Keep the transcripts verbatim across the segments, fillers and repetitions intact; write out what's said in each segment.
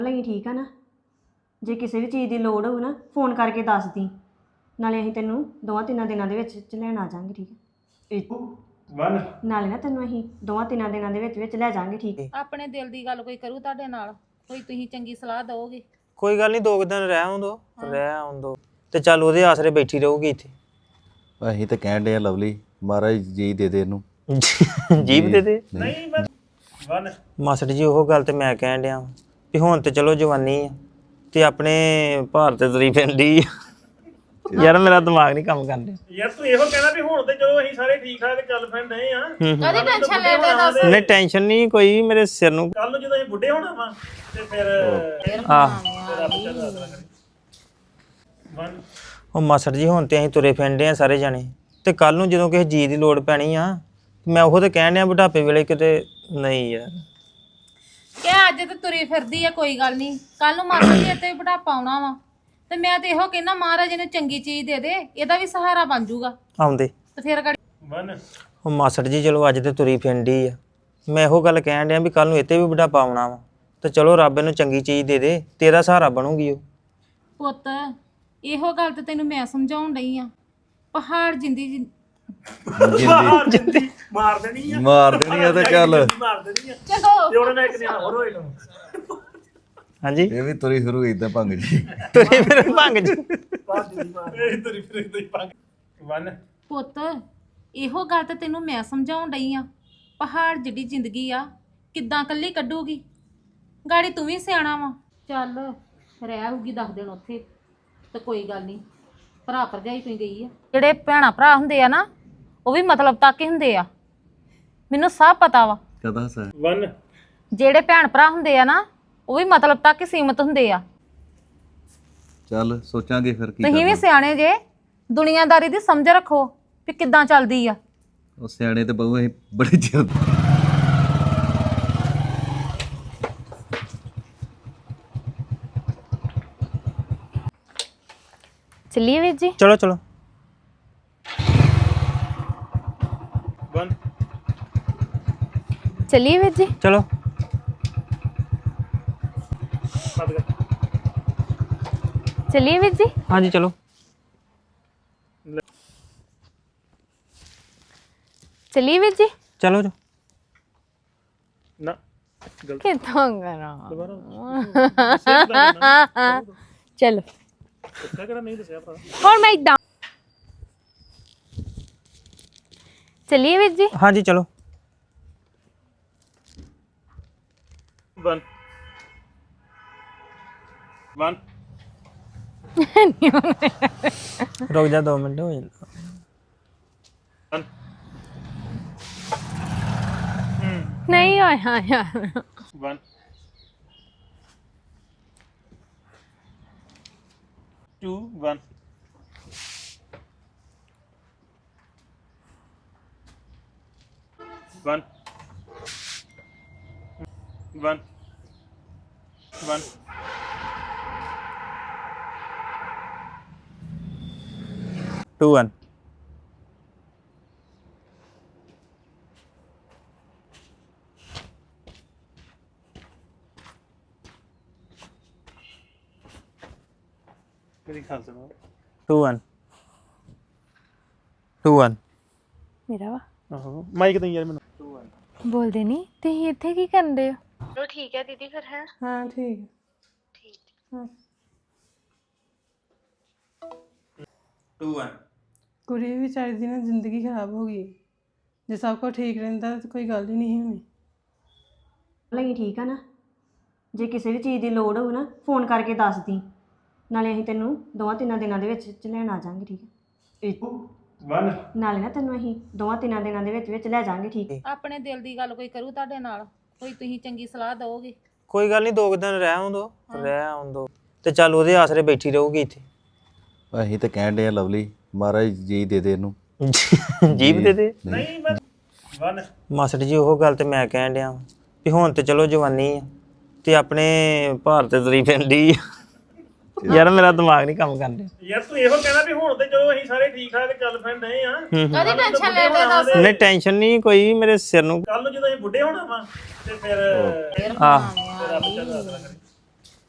ਲਈ ਠੀਕ ਆ ਨਾ ਜੇ ਕਿਸੇ ਵੀ ਚੀਜ਼ ਦੀ ਲੋੜ ਹੋਊ ਨਾ ਫੋਨ ਕਰਕੇ ਦੱਸ ਦੀ ਨਾਲੇ ਅਸੀਂ ਤੈਨੂੰ ਦੋਵਾਂ ਤਿੰਨਾਂ ਦਿਨਾਂ ਦੇ ਵਿੱਚ ਚ ਲੈਣ ਆ ਜਾਾਂਗੇ ਠੀਕ ਹੈ ਵਨ ਨਾਲੇ ਨਾ ਤੈਨੂੰ ਅਸੀਂ ਦੋਵਾਂ ਤਿੰਨਾਂ ਦਿਨਾਂ ਦੇ ਵਿੱਚ ਵਿੱਚ ਲੈ ਜਾਾਂਗੇ ਠੀਕ ਹੈ ਆਪਣੇ ਦਿਲ ਦੀ ਗੱਲ ਕੋਈ ਕਰੂ ਤੁਹਾਡੇ ਨਾਲ ਕੋਈ ਤੁਸੀਂ ਚੰਗੀ ਸਲਾਹ ਦਿਓਗੇ ਕੋਈ ਗੱਲ ਨਹੀਂ ਦੋ ਕੁ ਦਿਨ ਰਹਿ ਆਉਂਦੋ ਰਹਿ ਆਉਂਦੋ ਤੇ ਚੱਲ ਉਹਦੇ ਆਸਰੇ ਬੈਠੀ ਰਹੂਗੀ ਇੱਥੇ ਅਸੀਂ ਤਾਂ ਕਹਿਣ ਡਏ ਆ ਲਵਲੀ ਮਹਾਰਾਜ ਜੀ ਦੇ ਦੇ ਇਹਨੂੰ ਜੀਬ ਦੇ ਦੇ ਨਹੀਂ ਵਨ ਮਾਸਟਰ ਜੀ ਉਹ ਗੱਲ ਤੇ ਮੈਂ ਕਹਿਣ ਡਿਆ ਵਾਂ ਵੀ ਹੁਣ ਤੇ ਚਲੋ ਜਵਾਨੀ ਆ ਤੇ ਆਪਣੇ ਭਾਰਤ ਤੇ ਤਰੀ ਪੈਂਦੀ ਯਾਰ ਮੇਰਾ ਦਿਮਾਗ ਨਹੀਂ ਕੰਮ ਕਰਨ ਡਿਆ ਯਾਰ ਤੂੰ ਇਹੋ ਕਹਿਣਾ ਵੀ ਹੁਣ ਤੇ ਚਲੋ ਅਸੀਂ ਸਾਰੇ ਠੀਕ ਠਾਕ ਚੱਲ ਪੈਂਦੇ ਆ ਕਦੀ ਟੈਨਸ਼ਨ ਲੈ ਲੈ ਦੱਸ ਨਹੀਂ ਟੈਨਸ਼ਨ ਨਹੀਂ ਕੋਈ ਮੇਰੇ ਸਿਰ ਨੂੰ ਕੱਲ ਨੂੰ ਜਦੋਂ ਅਸੀਂ ਬੁੱਢੇ ਹੋਣਾ ਵਾ ਤੇ ਫਿਰ ਆਹ ਰੱਬ ਚੱਲ ਰਾਤ ਕਰੇ ਵਨ ਉਹ ਮਾਸਟਰ ਜੀ ਹੁਣ ਤੇ ਅਸੀਂ ਤੁਰੇ ਫਿਰਦੇ ਆ ਸਾਰੇ ਜਾਣੇ ਤੇ ਕੱਲ ਨੂੰ ਜਦੋਂ ਕਿਸੇ ਜੀ ਦੀ ਲੋੜ ਪੈਣੀ ਆ ਮੈਂ ਉਹ ਤੇ ਕਹਿਣ ਡਿਆ ਬੁਢਾਪੇ ਵੇਲੇ ਕਿਤੇ ਨਹੀਂ ਯਾਰ ਕਿ ਅੱਜ ਤੇ ਤੁਰੀ ਫਿਰਦੀ ਆ ਕੋਈ ਗੱਲ ਨਹੀਂ ਕੱਲ ਨੂੰ ਮਾਤਾ ਜੀ ਇੱਥੇ ਬੁਢਾਪਾ ਆਉਣਾ ਵਾ ਤੇ ਮੈਂ ਤੇ ਇਹੋ ਕਹਿੰਦਾ ਮਹਾਰਾਜ ਇਹਨੂੰ ਚੰਗੀ ਚੀਜ਼ ਦੇ ਦੇ ਇਹਦਾ ਵੀ ਸਹਾਰਾ ਬਣ ਜਾਊਗਾ ਆਉਂਦੇ ਤੇ ਫਿਰ ਗਾੜੀ ਵਨ ਉਹ ਮਾਸਟਰ ਜੀ ਚਲੋ ਅੱਜ ਤੇ ਤੁਰੀ ਫਿਰਦੀ ਆ ਮੈਂ ਇਹੋ ਗੱਲ ਕਹਿਣ ਡਿਆ ਵੀ ਕੱਲ ਨੂੰ ਇੱਥੇ ਵੀ ਬੁਢਾਪਾ ਆਉਣਾ ਵਾ ਤੇ ਚਲੋ ਰੱਬ ਇਹਨੂੰ ਚੰਗੀ ਚੀਜ਼ ਦੇ ਦੇ ਤੇਰਾ ਸਹਾਰਾ ਬਣੂਗੀ ਉਹ ਪੁੱਤ ਇਹੋ ਗੱਲ ਤੇ ਤੈਨੂੰ ਮੈਂ ਸਮਝਾਉਣ ਡਈ ਆ ਪਹਾੜ ਜਿੰਦੀ ਜਿੰ- ਜਿੰਦੀ ਮਾਰ ਦੇਣੀ ਆ ਮਾਰ ਦੇਣੀ ਆ ਤੇ ਚੱਲ ਮਾਰ ਦੇਣੀ ਆ ਚਲੋ ਤੇ ਉਹਨੇ ਇੱਕ ਨਿਆਣਾ ਹੋਰ ਹੋਏ ਨੂੰ ਹਾਂਜੀ ਇਹ ਵੀ ਤੁਰੀ ਫਿਰੂ ਇਦਾਂ ਭੰਗ ਜੀ ਤੁਰੇ ਫਿਰ ਭੰਗ ਜੀ ਬਾਦ ਦੀ ਮਾਰ ਇਹ ਤੇਰੀ ਫਿਰ ਇਦਾਂ ਹੀ ਪੰਗ ਵਨ ਪੁੱਤ ਇਹੋ ਗੱਲ ਤੇ ਤੈਨੂੰ ਮੈਂ ਸਮਝਾਉਣ ਡਈ ਆ ਪਹਾੜ ਜਿੱਡੀ ਜ਼ਿੰਦਗੀ ਆ ਕਿੱਦਾਂ ਕੱਲੀ ਕੱਢੂਗੀ ਗਾੜੀ ਤੂੰ ਵੀ ਸਿਆਣਾ ਵਾ ਚੱਲ ਰਹਿ ਹੋਊਗੀ ਦਸ ਦਿਨ ਉੱਥੇ ਤੇ ਕੋਈ ਗੱਲ ਨਹੀਂ ਭਰਾ ਭਰਜਾਈ ਕੋਈ ਗਈ ਆ ਜਿਹੜੇ ਭੈਣਾ ਭਰਾ ਹੁੰਦੇ ਆ ਨਾ ਉਹ ਵੀ ਮਤਲਬ ਤੱਕ ਹੀ ਹੁੰਦੇ ਆ ਮੈਨੂੰ ਸਭ ਪਤਾ ਵਾ ਕਦਾ ਸਾ ਵਨ ਜਿਹੜੇ ਭੈਣ ਭਰਾ ਹੁੰਦੇ ਆ ਨਾ ਉਹ ਵੀ ਮਤਲਬ ਤੱਕ ਹੀ ਸੀਮਤ ਹੁੰਦੇ ਆ ਚੱਲ ਸੋਚਾਂਗੇ ਫਿਰ ਕੀ ਤੁਸੀਂ ਵੀ ਕਰਨਾ ਸਿਆਣੇ ਜੇ ਦੁਨੀਆਦਾਰੀ ਦੀ ਸਮਝ ਰੱਖੋ ਵੀ ਕਿੱਦਾਂ ਚੱਲਦੀ ਆ ਉਹ ਸਿਆਣੇ ਤੇ ਬਹੁ ਅਸੀਂ ਬੜੇ ਚਿਰ ਚੱਲੀਏ ਵੀਰ ਜੀ ਚਲੋ ਚਲੋ ਵਨ ਚੱਲੀਏ ਵੀਰ ਜੀ ਚਲੋ ਸੱਦ ਕਰ ਚੱਲੀਏ ਵੀਰ ਜੀ ਹਾਂਜੀ ਚਲੋ ਚੱਲੀਏ ਵੀਰ ਜੀ ਚਲੋ ਜੀ ਨਾ ਗਲਤ ਕਿੱਥੋਂ ਕਰਾਂ ਦੁਬਾਰਾ ਚਲੋ ਦੱਸਿਆ ਕਿਹੜਾ ਨਹੀਂ ਦੱਸਿਆ ਭਰਾ ਹੁਣ ਮੈਂ ਇਦਾਂ ਚੱਲੀਏ ਵੀਰ ਜੀ ਹਾਂਜੀ ਚਲੋ ਵਨ ਵਨ ਰੁਕ ਜਾ ਦੋ ਮਿੰਟ ਹੋ ਜਾਂਦਾ ਵਨ ਨਹੀਂ ਆਇਆ ਯਾਰ one two one one one one two one ਮੇਰੀ ਖਾਲ ਸੁਣੋ ਟੂ ਵਨ ਟੂ ਵਨ ਮੇਰਾ ਵਾ ਆਹੋ ਮਾਈਕ ਦੇ ਯਾਰ ਮੈਨੂੰ ਟੂ ਵਨ ਬੋਲਦੇ ਨਹੀਂ ਤੁਸੀਂ ਇੱਥੇ ਕੀ ਕਰਦੇ ਹੋ ਚਲੋ ਠੀਕ ਹੈ ਦੀਦੀ ਫਿਰ ਹੈ ਹਾਂ ਠੀਕ ਟੂ ਵਨ ਕੁੜੀ ਵਿਚਾਰੀ ਦੀ ਨਾ ਜ਼ਿੰਦਗੀ ਖਰਾਬ ਹੋ ਗਈ ਜੇ ਸਭ ਕੁਝ ਠੀਕ ਰਹਿੰਦਾ ਤਾਂ ਕੋਈ ਗੱਲ ਹੀ ਨਹੀਂ ਹੋਣੀ ਲਈ ਠੀਕ ਆ ਨਾ ਜੇ ਕਿਸੇ ਵੀ ਚੀਜ਼ ਦੀ ਲੋੜ ਹੋਊ ਨਾ ਫੋਨ ਕਰਕੇ ਦੱਸ ਦੀ ਨਾਲੇ ਅਸੀਂ ਤੈਨੂੰ ਦੋਵਾਂ ਤਿੰਨਾਂ ਦਿਨਾਂ ਦੇ ਵਿੱਚ ਚ ਲੈਣ ਆ ਜਾਾਂਗੇ ਠੀਕ ਹੈ ਵਨ ਨਾਲੇ ਨਾ ਤੈਨੂੰ ਅਸੀਂ ਦੋਵਾਂ ਤਿੰਨਾਂ ਦਿਨਾਂ ਦੇ ਵਿੱਚ ਵਿੱਚ ਲੈ ਜਾਾਂਗੇ ਠੀਕ ਹੈ ਆਪਣੇ ਦਿਲ ਦੀ ਗੱਲ ਕੋਈ ਕਰੂ ਤੁਹਾਡੇ ਨਾਲ ਕੋਈ ਤੁਸੀਂ ਚੰਗੀ ਸਲਾਹ ਦਿਓਗੇ ਕੋਈ ਗੱਲ ਨਹੀਂ ਦੋ ਕੁ ਦਿਨ ਰਹਿ ਆਉਂਦੋ ਰਹਿ ਆਉਂਦੋ ਤੇ ਚੱਲ ਉਹਦੇ ਆਸਰੇ ਬੈਠੀ ਰਹੂਗੀ ਇੱਥੇ ਅਸੀਂ ਤਾਂ ਕਹਿਣ ਡਏ ਆ ਲਵਲੀ ਮਹਾਰਾਜ ਜੀ ਦੇ ਦੇ ਇਹਨੂੰ ਜੀਬ ਦੇ ਦੇ ਨਹੀਂ ਵਨ ਮਾਸਟਰ ਜੀ ਉਹ ਗੱਲ ਤੇ ਮੈਂ ਕਹਿਣ ਡਿਆ ਵਾਂ ਵੀ ਹੁਣ ਤੇ ਚਲੋ ਜਵਾਨੀ ਆ ਤੇ ਆਪਣੇ ਭਾਰਤ ਤੇ ਤਰੀ ਪੈਂਦੀ ਯਾਰ ਮੇਰਾ ਦਿਮਾਗ ਨਹੀਂ ਕੰਮ ਕਰਨ ਡਿਆ ਯਾਰ ਤੂੰ ਇਹੋ ਕਹਿਣਾ ਵੀ ਹੁਣ ਤੇ ਚਲੋ ਅਸੀਂ ਸਾਰੇ ਠੀਕ ਠਾਕ ਚੱਲ ਪੈਂਦੇ ਆ ਕਦੀ ਟੈਨਸ਼ਨ ਲੈ ਲੈ ਦੱਸ ਨਹੀਂ ਟੈਨਸ਼ਨ ਨਹੀਂ ਕੋਈ ਮੇਰੇ ਸਿਰ ਨੂੰ ਕੱਲ ਨੂੰ ਜਦੋਂ ਅਸੀਂ ਬੁੱਢੇ ਹੋਣਾ ਵਾ ਤੇ ਫਿਰ ਆਹ ਰੱਬ ਚੱਲ ਰਾਤ ਕਰੇ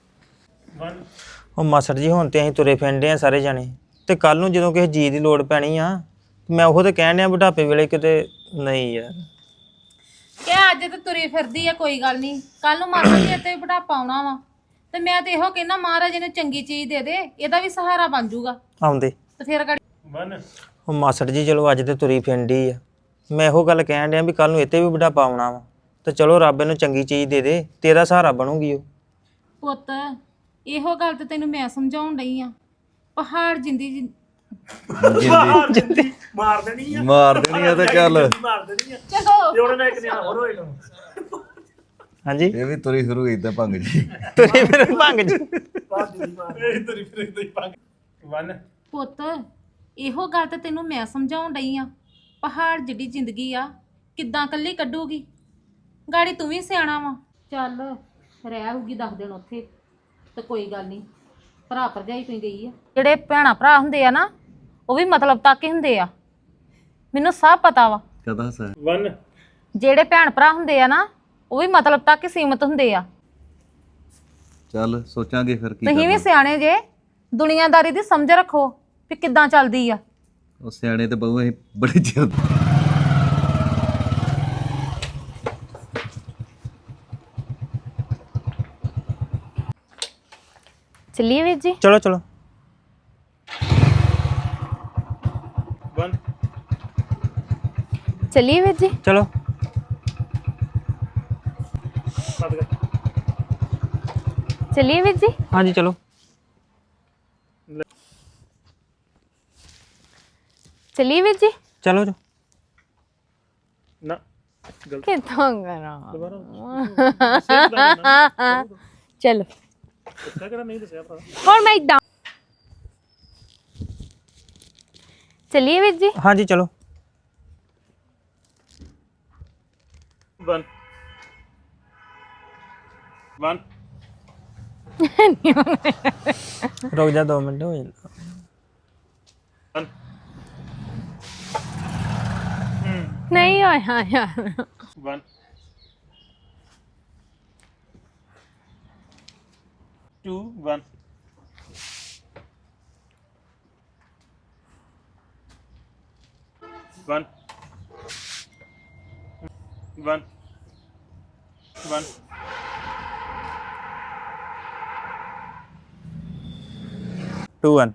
ਵਨ ਉਹ ਮਾਸਟਰ ਜੀ ਹੁਣ ਤੇ ਅਸੀਂ ਤੁਰੇ ਫਿਰਦੇ ਆ ਸਾਰੇ ਜਾਣੇ ਤੇ ਕੱਲ ਨੂੰ ਜਦੋਂ ਕਿਸੇ ਜੀ ਦੀ ਲੋੜ ਪੈਣੀ ਆ ਮੈਂ ਉਹ ਤੇ ਕਹਿਣ ਡਿਆ ਬੁਢਾਪੇ ਵੇਲੇ ਕਿਤੇ ਨਹੀਂ ਯਾਰ ਕਿ ਅੱਜ ਤੇ ਤੁਰੀ ਫਿਰਦੀ ਆ ਕੋਈ ਗੱਲ ਨਹੀਂ ਕੱਲ ਨੂੰ ਮਾਸਾ ਜੀ ਤੇ ਬੁਢਾਪਾ ਆਉਣਾ ਵਾ ਤੇ ਮੈਂ ਤੇ ਇਹੋ ਕਹਿੰਦਾ ਮਹਾਰਾਜ ਇਹਨੂੰ ਚੰਗੀ ਚੀਜ਼ ਦੇ ਦੇ ਇਹਦਾ ਵੀ ਸਹਾਰਾ ਬਣ ਜਾਊਗਾ ਆਉਂਦੇ ਤੇ ਫਿਰ ਗਾੜੀ ਵਨ ਉਹ ਮਾਸਟਰ ਜੀ ਚਲੋ ਅੱਜ ਤੇ ਤੁਰੀ ਫਿਰਦੀ ਆ ਮੈਂ ਇਹੋ ਗੱਲ ਕਹਿਣ ਡਿਆ ਵੀ ਕੱਲ ਨੂੰ ਇੱਥੇ ਵੀ ਬੁਢਾਪਾ ਆਉਣਾ ਵਾ ਤੇ ਚਲੋ ਰੱਬ ਇਹਨੂੰ ਚੰਗੀ ਚੀਜ਼ ਦੇ ਦੇ ਤੇਰਾ ਸਹਾਰਾ ਬਣੂਗੀ ਉਹ ਪੁੱਤ ਇਹੋ ਗੱਲ ਤੇ ਤੈਨੂੰ ਮੈਂ ਸਮਝਾਉਣ ਡਈ ਆ ਪਹਾੜ ਜਿੰਦੀ ਜਿੰ- ਮਾਰ ਦਿੰਦੀ ਮਾਰ ਦੇਣੀ ਆ ਮਾਰ ਦੇਣੀ ਆ ਤੇ ਚੱਲ ਮਾਰ ਦੇਣੀ ਆ ਚਲੋ ਤੇ ਉਹਨੇ ਨਾਲ ਇੱਕ ਨਿਆਣਾ ਹੋਰ ਹੋਏ ਨੂੰ ਹਾਂਜੀ ਇਹ ਵੀ ਤੁਰੀ ਸ਼ੁਰੂ ਇਦਾਂ ਭੰਗ ਜੀ ਤੁਰੇ ਫਿਰ ਭੰਗ ਜੀ ਬਾਹਰ ਦੀ ਮਾਰ ਇਹ ਤੇਰੀ ਫਿਰ ਇਦਾਂ ਹੀ ਪੰਗ ਵਨ ਪੁੱਤ ਇਹੋ ਗੱਲ ਤੇ ਤੈਨੂੰ ਮੈਂ ਸਮਝਾਉਣ ਡਈ ਆ ਪਹਾੜ ਜਿਹੜੀ ਜ਼ਿੰਦਗੀ ਆ ਕਿੱਦਾਂ ਕੱਲੀ ਕੱਢੂਗੀ ਗਾੜੀ ਤੂੰ ਵੀ ਸਿਆਣਾ ਵਾ ਚੱਲ ਰਹਿ ਹੋਊਗੀ ਦਸ ਦਿਨ ਉੱਥੇ ਤੇ ਕੋਈ ਗੱਲ ਨਹੀਂ ਭਰਾ ਭਰਜਾਈ ਕੋਈ ਗਈ ਆ ਜਿਹੜੇ ਭੈਣਾ ਭਰਾ ਹੁੰਦੇ ਆ ਨਾ ਉਹ ਵੀ ਮਤਲਬ ਤੱਕ ਹੀ ਹੁੰਦੇ ਆ ਮੈਨੂੰ ਸਭ ਪਤਾ ਵਾ ਕਦਾ ਸਰ ਵਨ ਜਿਹੜੇ ਭੈਣ ਭਰਾ ਹੁੰਦੇ ਆ ਨਾ ਉਹ ਵੀ ਮਤਲਬ ਤੱਕ ਹੀ ਸੀਮਤ ਹੁੰਦੇ ਆ ਚੱਲ ਸੋਚਾਂਗੇ ਫਿਰ ਕੀ ਤੁਸੀਂ ਵੀ ਕਰਨਾ ਸਿਆਣੇ ਜੇ ਦੁਨੀਆਦਾਰੀ ਦੀ ਸਮਝ ਰੱਖੋ ਵੀ ਕਿੱਦਾਂ ਚੱਲਦੀ ਆ ਉਹ ਸਿਆਣੇ ਤੇ ਬਹੁ ਅਸੀਂ ਬੜੇ ਚਿਰ ਚੱਲੀਏ ਵੀਰ ਜੀ ਚਲੋ ਚਲੋ ਵਨ ਚੱਲੀਏ ਵੀਰ ਜੀ ਚਲੋ ਸੱਤ ਕਰ ਚੱਲੀਏ ਵੀਰ ਜੀ ਹਾਂਜੀ ਚਲੋ ਚੱਲੀਏ ਵੀਰ ਜੀ ਚਲੋ ਜੀ ਨਾ ਗਲਤ ਕਿੱਥੋਂ ਕਰਾਂ ਦੁਬਾਰਾ ਚਲੋ ਦੱਸਿਆ ਕਿਹੜਾ ਨਹੀਂ ਦੱਸਿਆ ਭਰਾ ਹੁਣ ਮੈਂ ਇਦਾਂ ਚੱਲੀਏ ਵੀਰ ਜੀ ਹਾਂਜੀ ਚਲੋ ਵਨ ਵਨ ਰੁਕ ਜਾ ਦੋ ਮਿੰਟ ਹੋ ਜਾਂਦਾ ਵਨ ਨਹੀਂ ਆਇਆ ਯਾਰ one two one one one one two one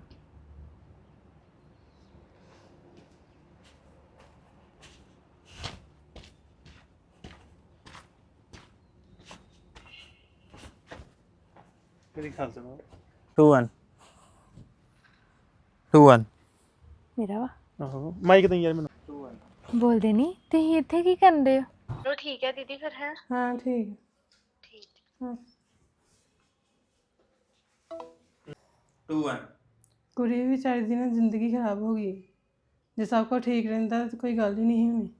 ਮੇਰੀ ਖਾਲ ਸੁਣੋ ਟੂ ਵਨ ਟੂ ਵਨ ਮੇਰਾ ਵਾ ਆਹੋ ਮਾਈਕ ਦੇ ਯਾਰ ਮੈਨੂੰ ਬੋਲਦੇ ਨਹੀਂ ਤੁਸੀਂ ਇੱਥੇ ਕੀ ਕਰਦੇ ਹੋ ਹਾਂ ਠੀਕ ਹੈ। ਟੂ ਵਨ ਕੁੜੀ ਵਿਚਾਰੀ ਦੀ ਨਾ ਜ਼ਿੰਦਗੀ ਖਰਾਬ ਹੋ ਗਈ ਜੇ ਸਭ ਕੁਝ ਠੀਕ ਰਹਿੰਦਾ ਤਾਂ ਕੋਈ ਗੱਲ ਹੀ ਨਹੀਂ ਹੋਣੀ